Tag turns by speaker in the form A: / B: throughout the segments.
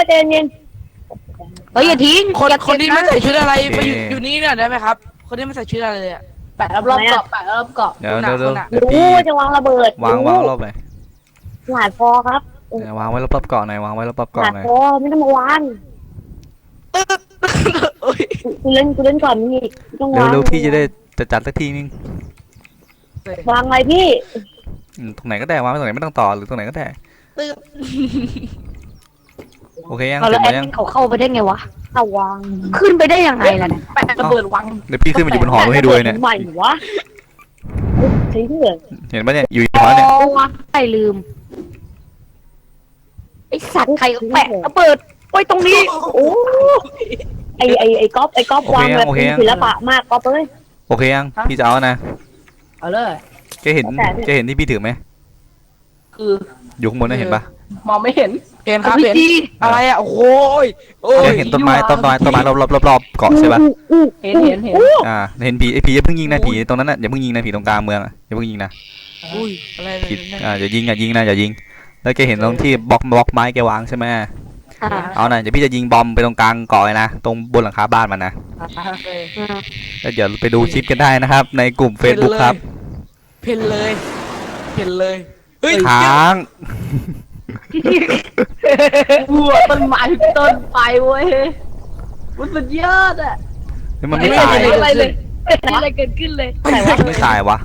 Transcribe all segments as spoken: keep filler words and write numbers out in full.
A: เย็นเย็นเฮ้ยอย่าทิ้ง
B: คนคนที่ไม่ใส่ชุดอะไรไปอยู่อยู่นี่เนี่ยได้ไหมครับคนที่ไม่ใส่ชุดอะไรเลยอะแปะรอบๆเกาะแปะรอบๆเกาะ
C: เดี๋ยวเดี๋ยวเดี๋ยวเดี๋ยว
A: รู้
C: พี่
A: จะวางระเบิด
C: วางวางรอบไหน
A: หลายพอครับ
C: วางไว้รอบๆเกาะหน่อยวางไว้รอบๆ
A: หลา
C: เกาะ
A: ย
C: หน่อย
A: พอไม่ต้องมาวางกูเล่นกูเล่นก่อนนี่ต้องวาง
C: เร็วๆพี่จะได้จะจัดสักทีนึง
A: วางอะไรพี่
C: ตรงไหนก็ได้วางไว้ตรงไหนไม่ต้องต่อหรือตรงไหนก็ได้โอเคยัง
A: เอา
C: เสร็
A: แล้ว
C: จ
A: แอ
C: หมด
A: ด
C: ยัง
A: เขาเข้าไปได้ไงวะเอาวางขึ้นไปได้ยังไงล่ะเนี่ย
B: แปะระเบิดวัง
C: เดี๋ยวพี่ขึ้นมาอยู่บนหอให้ดูเลยเนี่ย
A: ใหม่วะทิ้งเลย
C: เห็นปะเนี่ยอยู่หอเนี่ย
A: ใครลืมไอสัตว์ใครแปะระเบิดไว้ตรงนี้โอ้ไอไอไอก๊อฟไอก๊อฟวางแบบศิลปะมากก๊อฟเอ้ย
C: โอเคยังพี่จะเอานะ
B: เอาเลย
C: แกเห็นแกเห็นที่พี่ถือไหม
B: คือ
C: อยู่ข้างบนน่ะเห็นปะ
B: มองไม่เห็นเห็นครับเห็นอะไรอะโอ้ยโอ้
C: แก
B: ย
C: เห็นต้นไม้ต้นไม้ต้นไม้รอบรอบรอบเกาะใช่ปะ
B: เห็นเห็นเห็น
C: อ่าเห็นผีไอ้ผีอย่าเพิ่งยิงนะผีตรงนั้นน่ะอย่าเพิ่งยิงนะผีตรงกลางเมืองอ่ะอย่าเพิ่งยิงนะ
B: อุ้ยอะไร
C: ผิดอ่าอย่ายิงอย่ายิงนะอย่ายิงแล้วแกเห็นตรงที่บล็อกบล็อกไม้แกวางใช่ไหมเอาน่ะเดี๋ยวพี่จะยิงบอมไปตรงกลางเกาะเลยนะตรงบนหลังคาบ้านมันนะแล้วเดี๋ยวไปดูคลิปกันได้นะครับ ในกลุ่ม Facebook ครับ
B: เพนเลยเพนเลยเฮ้ย
C: ค้าง
B: บัวต้นไม้ต้นไปเว้ยมันสุดยอดอะ
C: นี่มันไม่ตาย
B: อะไรเลยอะไรเกิดขึ้นเลย
A: อะไรวะ
C: ไม่ตายวะ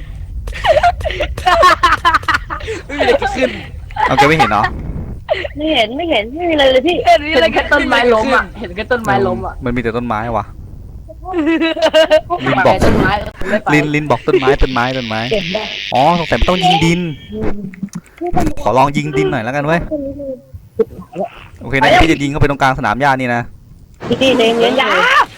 B: ไม่มีอะไรเกิดขึ้น
C: เอาแกไม่เห็นเหรอ
A: ไม่เห็นไม่เห็นไม่มีอะไรเลยพี่
B: เห็นอะไรแค่ต้นไม้ล้มอ่ะเห็นแค่ต้นไม้ล้มอ่ะ
C: มันมีแต่ต้นไม้วะ ลิน
B: บบ อ
C: อก ก
B: ต้นไม้
C: ลินลินบอกต้นไม้ต้นไม้ต้นไม้
A: เก็บได้
C: อ๋อสงสัยมันต้องยิงดิน ขอลองยิงดินหน่อยแล้วกันเว้ยโอเคนะพี่จะยิงเข้าไปตรงกลางสนามหญ้านี่นะ
A: พี่ตีเลี้ยงเลี้ยงยา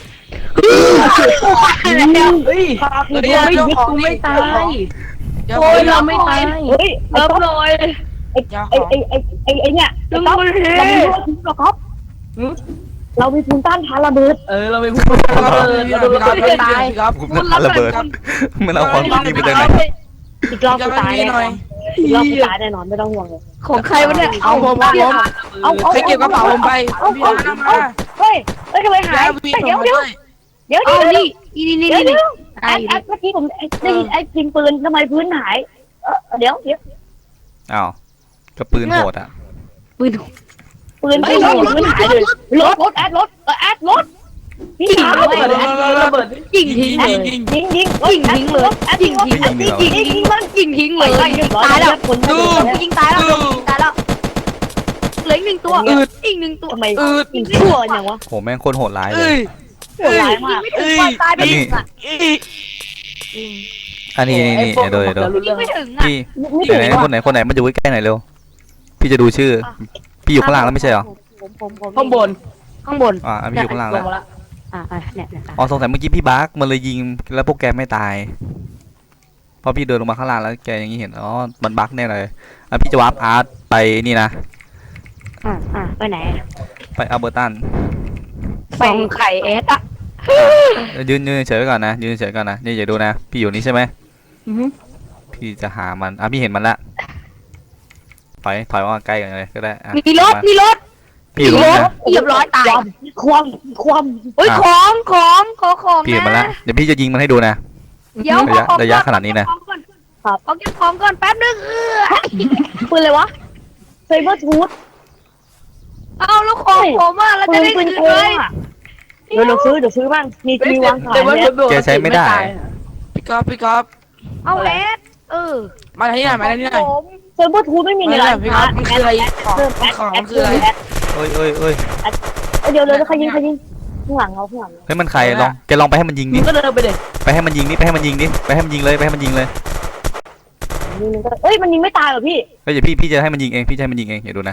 B: เฮ้ย
A: เดี๋ยวไม่ยิงกูไม่ตาย
B: โอ้ยเราไม่ตาย
A: เฮ้ยเริ่มเลยไอ้ไอ้ไอ้ไอ้ไอ้เนี่ยเราไม่รู้หรอกครับเรามีภูมิต้านทานระเบิด
B: เออเราไม่พูดเราเราเราไม่ตายครับ
C: มันระเบิดมันเอาความคิดไปจากไหน
A: อีกรอบกูตายแน่นอนอีกรอบกูตายแน่นอนไม่ต้องห่วงเลยของใครวะเนี่ย
B: เอาผมเอาผมเอาเอาใครเก็บกระเป๋าผมไป
A: เอาเอาเอาเฮ้ยเฮ้ยทำไมหายเดี๋ยวเดี๋ยวเดี๋ยวเดี๋ยวนี่นี่นี่นี่ไอ้ไอ้เมื่อกี้ผมได้ยินไอ้ยิงปืนทำไมพื้นหายเดี๋ยวเดี๋ยว
C: อ้าวก็ปืนโหดอ่ะ
A: ปืนปืนปืนปืนหายเลยรถรถแอดรถแอดรถยิงระเบิดระเบิดยิงทิ้งเลยยิงยิงยิงยิงทิ้งเลยแอดยิงทิ้งยิงยิงยิงมันยิงทิ้งเลยตายแล้วคนดูยิงตายแล้วตายแล้วเหลืออีกหนึ่งตัวอีกหนึ่งตัวทำไมยิงชั่วอย่างวะ
C: โหแม่งโคตรโหดร้ายเลย
A: โหดร้ายมากตายไปอีกอ่ะ
C: อันนี้นี่นี่เดี๋ยวเดี๋ยว
A: ยิงไม่ถึงอ่ะ
C: พี่ไหนคนไหนคนไหนมาอยู่ใกล้ๆหน่อยเร็วพี่จะดูชื่อพี่อยู่ข้างล่างแล้วไม่ใช่เหรอ
B: ข้างบน
A: ข้างบน
C: อ่าพี่อยู่ข้างล่างแล้ว
A: อ่าเนี่ยเนี่ย
C: อ๋อสงสัยเมื่อกี้พี่บักมันเลยยิงแล้วพวกแกไม่ตายพอพี่เดินลงมาข้างล่างแล้วแกอย่างนี้เห็นอ๋อมันบักแน่เลยอ่ะพี่จะวาร์ปอาร์ตไปนี่นะ
A: อ่าอ่าไปไหน
C: ไปอัลเบอร์ตัน
A: ฟองไข่เอสอ่ะ
C: ยืนยืนเฉยๆก่อนนะยืนเฉยๆก่อนนะนี่อย่าดูนะพี่อยู่นี่ใช่ไหมพี่จะหามันอ่ะพี่เห็นมันละถอยถอยมาใกล้กันเลยก็ได้อ่ะ
A: มีรถมีรถ
C: พี่อยู่ตรงนี้นะ
A: เรียบร้อยตายความความเฮ้ยของของขอของ
C: พี่เห็นมันละเดี๋ยวพี่จะยิงมันให้ดูนะ
A: เดี๋ยว
C: ระยะระยะขนาดนี้นะ
A: ครับเอาเก็บของก่อนแป๊บนึงเออปืนเลยวะไซเบอร์ทูธเอาแล้วของผมอ่ะเราจะได้ซื้อเลยเดี๋ยวเราซื้อเดี๋ยวซื้อบ้างมีมีวางขายเนี่ย
C: แกใช้ไม่ได้
B: พี่ก๊อฟพี่ก๊อฟ
A: เอาแอดเออ
B: มาที่ไหนมาที่ไหน
A: ไซเบอร์ทูธไม่มีในร้าน
B: พี่ก๊อฟมันคืออะไรของของคืออะไร
C: เอ้ยเอ้ยเอ้ย
A: เดี๋ยวเลยใครยิงใครยิงข้างหลังเราข้างหลัง
C: เฮ้ยมันใครลองแกลองไปให้มันยิงดิ
B: ก็เดินไปเลย
C: ไปให้มันยิงดิไปให้มันยิงดิไปให้มันยิงเลยไปให้มันยิงเลย
A: เฮ้ยมันยิงไม่ตายหรอพี่
C: เฮ้ยเดี๋ยวพี่พี่จะให้มันยิงเองพี่จะให้มันยิงเองอย่าดูนะ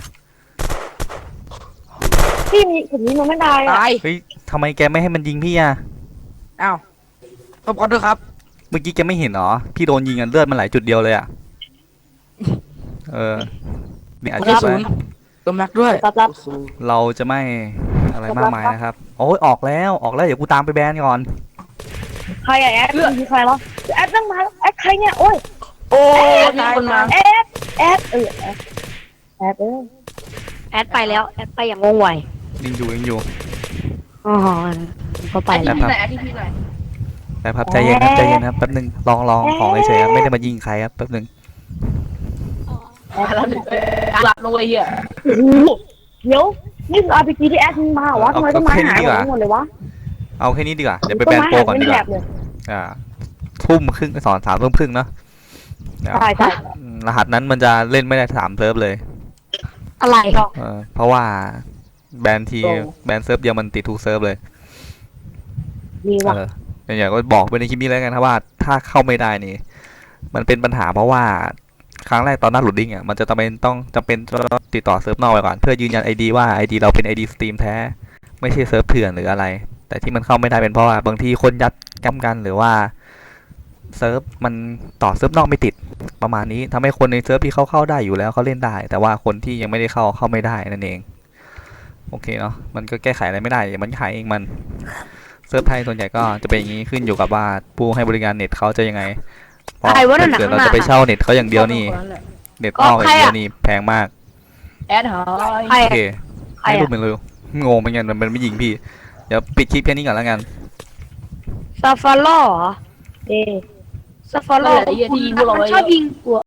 A: พี่มีผมยิงมันไม่ตายอ่ะ
B: ตาย
C: เฮ้ยทำไมแกไม่ให้มันยิงพี่อ่ะ
B: อ้าวขอบคุณด้วยครับ
C: เมื่อกี้แกไม่เห็นเหรอพี่โดนยิงอ่ะเลือดมันไหลจุดเดียวเลยอ่ะเออเนี่ยอาจจะ
B: ศูนย์ตัวแม็กด้วย
A: รับรับ
C: เราจะไม่อะไรมากมายนะครับโอ้ยออกแล้วออกแล้วเดี๋ยวกูตามไปแบนก่อน
A: ใครอะแอดคือใครวะแอดตั้งมาแอดใครเนี่ยโอ้ย
B: โอ้ยตายมา
A: แอดแอดเออแอดแอดเออแอดไปแล้วแอดไปอย่างงงไว
C: ยิงอยู่ยิงอยู่
A: อ๋อก็ไป
B: แอด
A: แล้ว
B: ที่ไหนแอดที่พี่ไหน
C: แป๊บครับใจเย็นครับใจเย็นครับแป๊บนึงลองลองของเฉยๆครับไม่ได้มายิงใครครับแป๊บนึง
B: แล้วถึงหลับลงเลยเฮีย
A: โอ้โหเดี๋ยวนี่คือ อาร์ พี จี ที่แอดมึงมาเหรอวะทำไมต้นไม้หายหมดหมดเลยวะ
C: เอาแค่นี้ดีกว่าเดี๋ยวไปแบนโปรก่อนดีกว่าอ่าทุ่มครึ่งสอนสามทุ่มครึ่งเนาะ
A: ใช่ใช่
C: อืมรหัสนั้นมันจะเล่นไม่ได้สามเซิร์ฟเลย
A: อะไร
C: เออเพราะว่าแบนทีแบนเซิร์ฟเดียวมันติดทุกเซิร์ฟเลย
A: มี
C: เอ
A: วะ
C: ออย่างก็บอกไปในคลิปนี้แล้วกันครับว่าถ้าเข้าไม่ได้นี่มันเป็นปัญหาเพราะว่าครั้งแรกตอนหน้าโหลดดิ้งอ่ะมันจะจำเป็นต้องจำเป็นต้องติดต่อเซิร์ฟนอกไปก่อนเพื่อยืนยัน ไอ ดี ว่า ไอ ดี เราเป็น ไอ ดี สตรีมแท้ไม่ใช่เซิร์ฟเถื่อนหรืออะไร แต่ที่มันเข้าไม่ได้เป็นเพราะว่าบางทีคนยัดจำกันหรือว่าเซิร์ฟมันต่อเซิร์ฟนอกไม่ติดประมาณนี้ทำให้คนในเซิร์ฟที่เขาเข้าได้อยู่แล้วเขาเล่นได้ แต่ว่าคนที่ยังไม่ได้เข้าเข้าไม่ได้นั่นเองโอเคเนาะมันก็แก้ไขอะไรไม่ได้มันขายเองมันเซิร์ฟไทยส่วนใหญ่ก็จะเป็นอย่างนี้ขึ้นอยู่กับว่าผู้ให้บริการเน็ตเขาจะยังไงเพราะถ้าเกิดเราจะไปเช่าเน็ตเขาอย่างเดียวนี่เน็ตนอกอย่างเดียวนี่แพงมาก
B: แอดหาย
A: ใคร
C: โอเค
A: ใคร
C: ให้รูป
A: อะ
C: มันเร็วงงเหมือนกันมันไม่ยิงพี่ เดี๋ยวปิดคลิปแค่นี้ก่อนแล้วกัน
A: ซาฟาร่อเหรอเอซาฟาร่อมันชอบยิงกลัว